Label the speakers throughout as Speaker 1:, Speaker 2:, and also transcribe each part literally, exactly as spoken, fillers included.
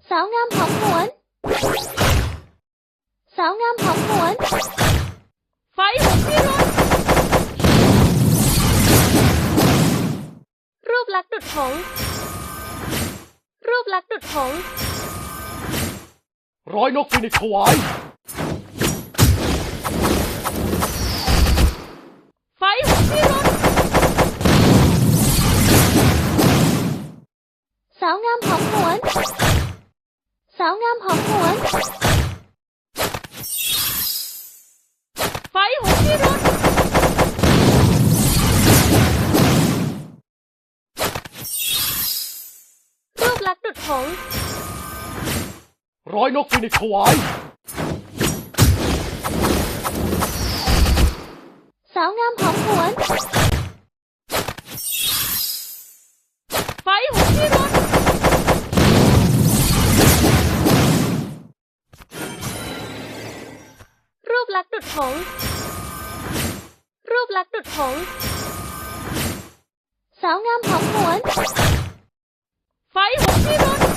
Speaker 1: สาวงามหอมหวนสาวงามหอมหวนไฟหุบพิรุธรูปลักษณ์ดุจหงส์รูปลักษณ์ดุจหงส์
Speaker 2: ร้อยนกฟินิกซ์ถวาย
Speaker 1: ไฟหุบพิรุธสาวงามหอมหวนสาวงามหอมหวนไฟหุบพิรุธรูปลักษณ์ดุจหงส์
Speaker 2: ร้อยนกฟินิกซ์ถวาย
Speaker 1: สาวงามหอมหวนไฟหุบพิรุธรูปลักษณ์ดุจหงส์รูปลักษณ์ดุจหงส์สาวงามหอมหวนไฟหุบพิรุธ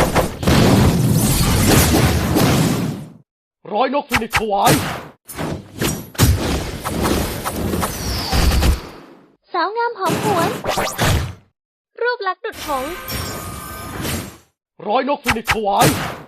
Speaker 2: ร้อยนกฟินิกซ์ถวาย
Speaker 1: สาวงามหอมหวนรูปลักษณ์ดุจหงส์
Speaker 2: ร้อยนกฟินิกซ์ถวาย